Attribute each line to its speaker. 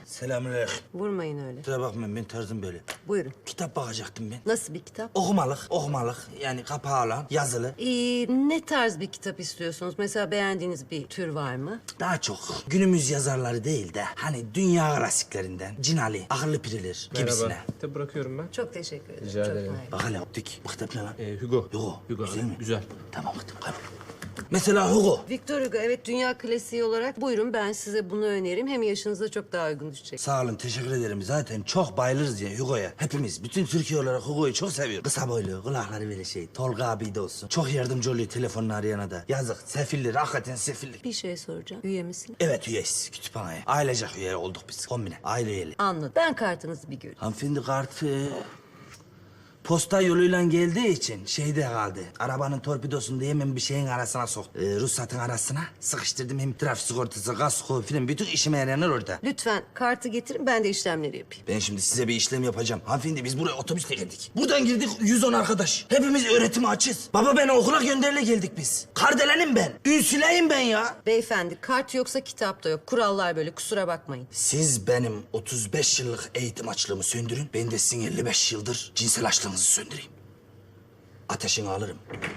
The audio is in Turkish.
Speaker 1: Selamünaleyküm.
Speaker 2: Vurmayın öyle.
Speaker 1: Kusura bakmayın, ben tarzım böyle.
Speaker 2: Buyurun.
Speaker 1: Kitap bakacaktım ben.
Speaker 2: Nasıl bir kitap?
Speaker 1: Okumalık. Yani kapağı olan, yazılı.
Speaker 2: Ne tarz bir kitap istiyorsunuz? Mesela beğendiğiniz bir tür var mı?
Speaker 1: Daha çok günümüz yazarları değil de hani dünya klasiklerinden Cinali, Akıllı Piriler gibisine.
Speaker 3: Merhaba. Kitap bırakıyorum ben.
Speaker 2: Çok teşekkür ederim.
Speaker 3: Rica
Speaker 2: Çok
Speaker 3: ederim.
Speaker 2: naif.
Speaker 1: Bak hele optik. Bu kitap ne lan?
Speaker 3: Hugo.
Speaker 1: Hugo. Güzel mi?
Speaker 3: Güzel.
Speaker 1: Tamam kitap kaybol. Mesela Hugo.
Speaker 2: Victor Hugo, evet, dünya klasiği olarak buyurun, ben size bunu öneririm. Hem yaşınıza çok daha uygun düşecek.
Speaker 1: Sağ olun, teşekkür ederim. Zaten çok bayılırız ya Hugo'ya. Hepimiz, bütün Türkiye olarak Hugo'yu çok seviyoruz. Kısa boylu, kulakları böyle şey. Tolga abi de olsun. Çok yardımcı oluyor telefonla arayana da. Yazık, sefillik, hakikaten sefillik.
Speaker 2: Bir şey soracağım. Üye misin?
Speaker 1: Evet, üyeyiz kütüphaneye. Ailecek üye olduk biz. Kombine, aile üyeli.
Speaker 2: Anladım. Ben kartınızı bir göreyim.
Speaker 1: Hanımefendi kartı posta yoluyla geldiği için şeyde kaldı. Arabanın torpidosunu da hemen bir şeyin arasına soktu. Ruhsatın arasına sıkıştırdım. Hem trafik sigortası, kasko filan bütün işime yarayanlar orada.
Speaker 2: Lütfen kartı getirin, ben de işlemleri yapayım.
Speaker 1: Ben şimdi size bir işlem yapacağım. Hanımefendi biz buraya otobüsle geldik. Buradan girdik 110 arkadaş. Hepimiz öğretime açız. Baba beni okula gönderile geldik biz. Kardelenim ben. Ünsüleyim ben ya.
Speaker 2: Beyefendi, kart yoksa kitap da yok. Kurallar böyle, kusura bakmayın.
Speaker 1: Siz benim 35 yıllık eğitim açlığımı söndürün. Ben de sizin 55 yıldır cinsel açlığınızı söndüreyim. Ateşini alırım.